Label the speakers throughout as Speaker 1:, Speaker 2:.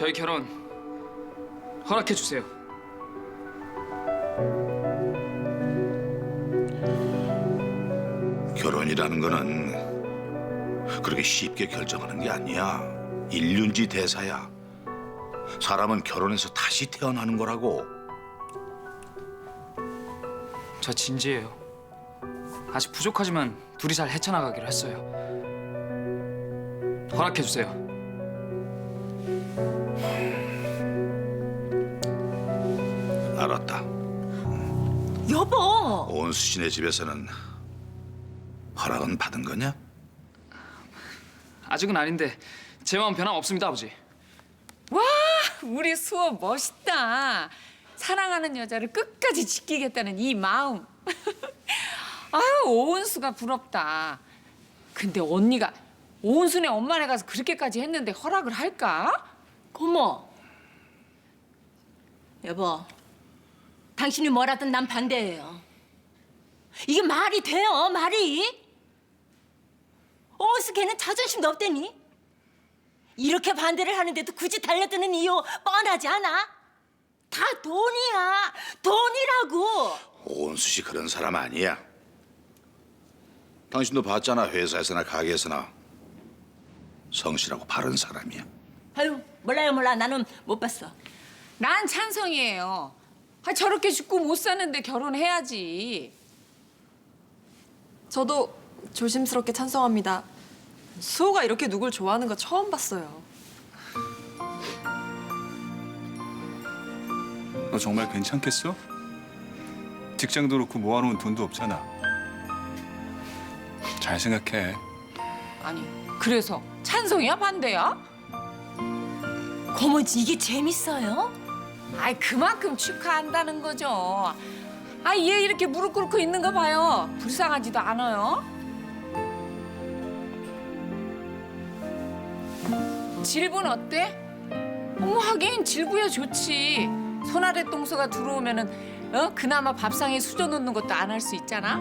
Speaker 1: 저희 결혼 허락해 주세요.
Speaker 2: 결혼이라는 거는 그렇게 쉽게 결정하는 게 아니야. 일륜지 대사야. 사람은 결혼해서 다시 태어나는 거라고.
Speaker 1: 저 진지해요. 아직 부족하지만 둘이 잘 헤쳐나가기로 했어요. 허락해 주세요.
Speaker 2: 알았다.
Speaker 3: 여보.
Speaker 2: 온수 씨네 집에서는 허락은 받은 거냐?
Speaker 1: 아직은 아닌데 제 마음 변함 없습니다, 아버지.
Speaker 3: 와, 우리 수호 멋있다. 사랑하는 여자를 끝까지 지키겠다는 이 마음. 아유, 오은수가 부럽다. 근데 언니가 오은수네 엄마네 가서 그렇게까지 했는데 허락을 할까?
Speaker 4: 고모. 여보, 당신이 뭐라든 난 반대예요. 이게 말이 돼요, 말이? 어스 걔는 자존심도 없대니? 이렇게 반대를 하는데도 굳이 달려드는 이유 뻔하지 않아? 다 돈이야, 돈이라고.
Speaker 2: 온수 씨 그런 사람 아니야. 당신도 봤잖아. 회사에서나 가게에서나 성실하고 바른 사람이야.
Speaker 4: 아유, 몰라. 나는 못 봤어.
Speaker 3: 난 찬성이에요. 아, 저렇게 죽고 못 사는데 결혼해야지.
Speaker 5: 저도 조심스럽게 찬성합니다. 수호가 이렇게 누굴 좋아하는 거 처음 봤어요.
Speaker 6: 너 정말 괜찮겠어? 직장도 그렇고 모아놓은 돈도 없잖아. 잘 생각해.
Speaker 3: 아니, 그래서 찬성이야, 반대야?
Speaker 4: 고모, 이게 재밌어요?
Speaker 3: 아이, 그만큼 축하한다는 거죠. 아, 얘 이렇게 무릎 꿇고 있는 거 봐요. 불쌍하지도 않아요. 질부는 어때? 어머, 하긴 질부야 좋지. 손아래 동서가 들어오면은 그나마 밥상에 수저 놓는 것도 안 할 수 있잖아.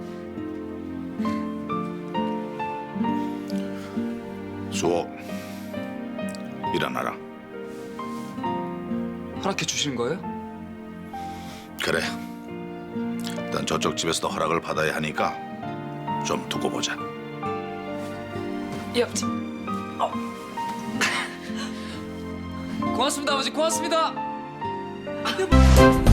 Speaker 2: 수호, 일어나라.
Speaker 1: 허락해 주시는 거예요?
Speaker 2: 그래. 일단 저쪽 집에서도 허락을 받아야 하니까 좀 두고 보자.
Speaker 1: 예, 아버지. 고맙습니다, 아버지. 고맙습니다.